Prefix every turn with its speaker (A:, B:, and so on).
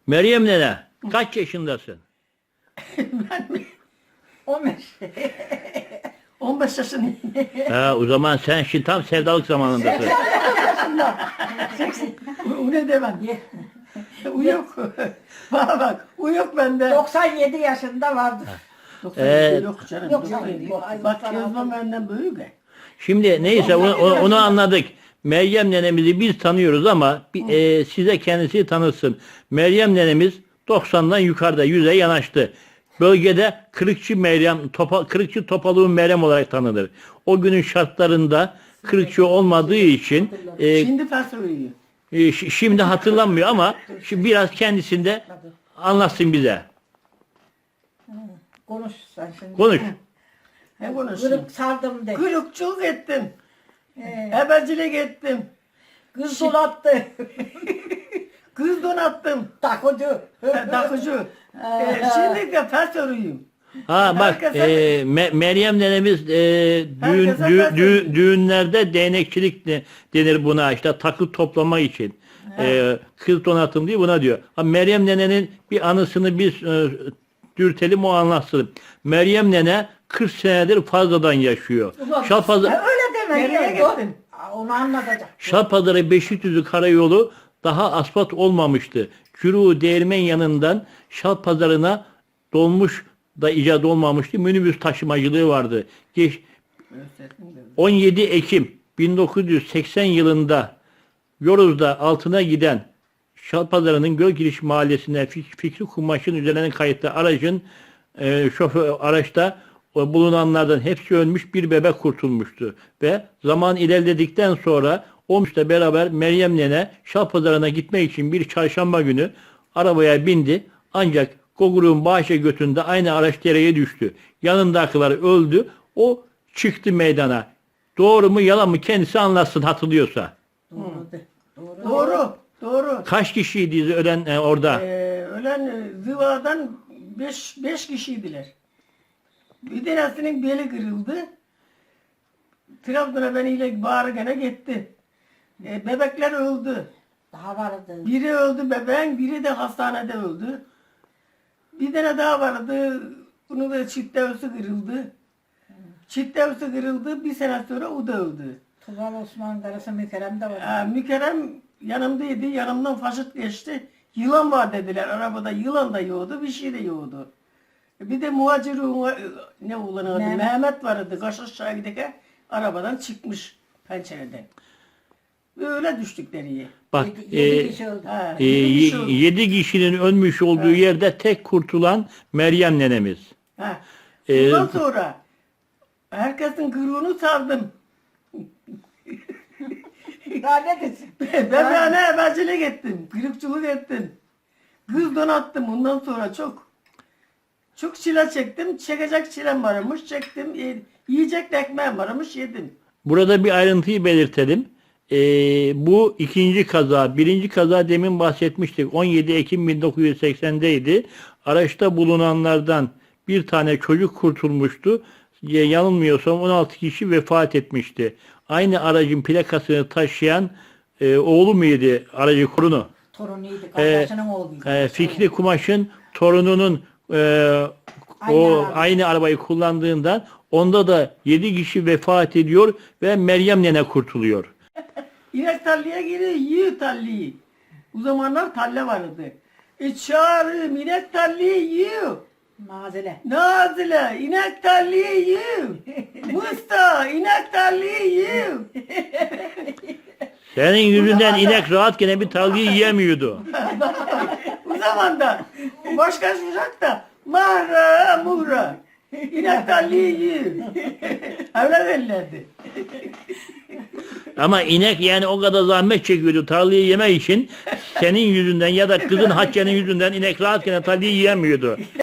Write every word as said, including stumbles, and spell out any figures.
A: Meryem nene, kaç yaşındasın?
B: Ben mi? on beş. on beş yaşındayım.
A: Ha, o zaman sen şimdi tam sevdalık zamanındasın.
B: O ne demem? Uyuk. Bana bak, uyuk bende.
C: doksan yedi yaşında vardı.
B: doksan
A: Evet.
B: yok canım.
C: Yok,
B: doksan
C: yok,
B: yedi.
C: yok.
B: Bak Kezban benden büyük. ya.
A: Şimdi neyse onu, onu- onu anladık. Meryem nenemizi biz tanıyoruz ama bir, e, size kendisi tanısın. Meryem nenemiz doksandan yukarıda, yüze yanaştı. Bölgede Kırıkçı Meryem, topa, Kırıkçı Topalığı Meryem olarak tanınır. O günün şartlarında Kırıkçı olmadığı için e,
B: Şimdi fasulye.
A: e, ş- şimdi hatırlanmıyor ama şimdi biraz kendisinde anlatsın bize.
C: Konuş sen şimdi.
A: Konuş.
B: He konuşayım.
C: Kırık sardım de.
B: Kırıkçılık ettim.
C: Ee,
B: Ebecilik ettim.
C: kız dolattı.
B: Kız donattım.
C: Takucu.
B: Takıcı. ee, şimdi de fasulye'yim.
A: Ha bak
B: Herkese-
A: e, Me- Meryem nenemiz e, düğün,
B: Herkese
A: dü-
B: ben
A: dü-
B: söyleyeyim.
A: düğünlerde değnekçilik de- denir buna, işte takı toplama için. E, kız donatım diye buna diyor. Ha, Meryem nenenin bir anısını biz e, dürtelim, o anlatsın. Meryem nene kırk senedir fazladan yaşıyor.
C: Ulan,
A: Şalpazarı,
C: ya öyle deme.
B: Nereye
C: ya,
B: gittin?
C: Aa, Onu anlatacak.
A: Şalpazarı Beşikdüzü karayolu daha asfalt olmamıştı. Cürü Değirmen yanından Şalpazarı'na dolmuş da icat olmamıştı. Minibüs taşımacılığı vardı. Geç, on yedi Ekim bin dokuz yüz seksen yılında Yoruz'da altına giden Şalpazarı'nın Gölgiriş Mahallesi'ne Fik- Fikri Kumaş'ın üzerine kayıtlı aracın e, şoför araçta o bulunanlardan hepsi ölmüş, bir bebek kurtulmuştu. Ve zaman ilerledikten sonra Olmuş'la beraber Meryem nene Şalpazarı'na gitmek için bir çarşamba günü arabaya bindi. Ancak Gogur'un bahçe götünde aynı araç dereye düştü. Yanındakiler öldü. O çıktı meydana. Doğru mu yalan mı kendisi anlatsın hatırlıyorsa.
C: Doğru de. Doğru.
B: Doğru. Doğru.
A: Kaç kişiydi ölen e, orada?
B: Ee, ölen e, zıvadan beş, beş kişiydiler. Bir tanesinin beli kırıldı. Trabzon'a beniyle bağırgana gitti. Ee, bebekler öldü.
C: Daha vardı.
B: Biri öldü bebeğin, biri de hastanede öldü. Bir tane daha vardı. Bunu da çift devsi kırıldı. Çift devsi kırıldı. Bir sene sonra o da öldü.
C: Tuval Osman Karası Mükerrem de var.
B: Ee, Mükerrem yanımdaydı. Yanımdan faşit geçti. Yılan var dediler. Arabada yılan da yoğdu. Bir şey de yoğdu. Bir de muhacir ne ulan adı?
C: Mehmet.
B: Mehmet vardı. Kaş aşağı giderken arabadan çıkmış pencereden. Öyle düştük deriye.
A: Bak
C: Yedi, yedi
A: e,
C: kişi öldü.
B: Ha,
A: e,
B: yedi kişi öldü.
A: yedi kişinin ölmüş olduğu yerde tek kurtulan Meryem nenemiz.
B: Ha.
A: Ee,
B: Ondan sonra herkesin kuyruğunu sardım.
C: Daha ne desin?
B: Bebeğine ebecilik ettim. Kırıkçılık ettim. Kız donattım ondan sonra çok. Çok çile çektim. Çekecek çilem varmış. Çektim. E, yiyecek de ekmeğim varmış. Yedim.
A: Burada bir ayrıntıyı belirtelim. Ee, bu ikinci kaza. Birinci kaza demin bahsetmiştik. on yedi Ekim bin dokuz yüz seksendeydi. Araçta bulunanlardan bir tane çocuk kurtulmuştu. Ya- Yanılmıyorsam on altı kişi vefat etmişti. Aynı aracın plakasını taşıyan e, oğlu muydu aracı kurunu?
C: Torunuydu. Kardeşinin oğluydu.
A: E, Fikri Kumaş'ın torununun e,
C: Aynı
A: o
C: araba.
A: aynı arabayı kullandığından onda da yedi kişi vefat ediyor ve Meryem nene kurtuluyor.
B: İnek tarlaya giriyor. Yiyor tarlayı. O zamanlar tarla vardı. E çağırıyor. İnek tarlayı yiyor.
C: Mazile.
B: Nazile, inek tarlayı yiyor. Musta, inek tarlayı yiyor.
A: Senin yüzünden inek rahat gene bir tarlayı yiyemiyordu.
B: O zaman da başka sıcak da mahra muhra. İnek tarlayı yiyor. Öyle derlerdi.
A: Ama inek yani o kadar zahmet çekiyordu tarlayı yemek için. Senin yüzünden ya da kızın Hatice'nin yüzünden inek rahat gene tarlayı yiyemiyordu.